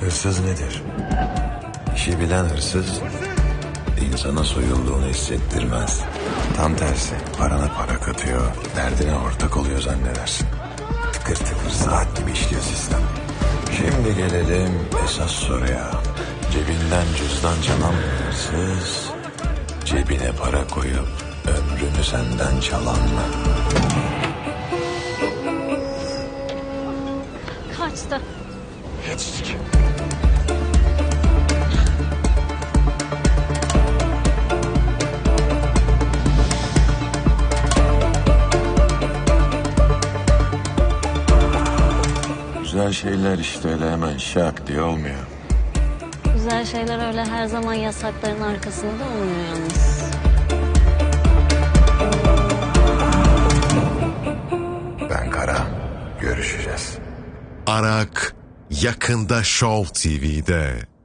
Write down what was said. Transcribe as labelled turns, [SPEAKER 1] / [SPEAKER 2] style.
[SPEAKER 1] Hırsız nedir? İşi bilen hırsız insana soyulduğunu hissettirmez. Tam tersi, parana para katıyor, derdine ortak oluyor zannedersin. Tıkır tıkır saat gibi işliyor sistem. Şimdi gelelim esas soruya. Cebinden cüzdan çalan bir hırsız, cebine para koyup ömrünü senden çalan mı?
[SPEAKER 2] Kaçtı.
[SPEAKER 1] Geçtik. Güzel şeyler işte öyle hemen şak diye olmuyor.
[SPEAKER 2] Güzel şeyler öyle her zaman yasakların arkasında olmuyor yalnız.
[SPEAKER 1] Ben Kara, görüşeceğiz.
[SPEAKER 3] Arak yakında Show TV'de.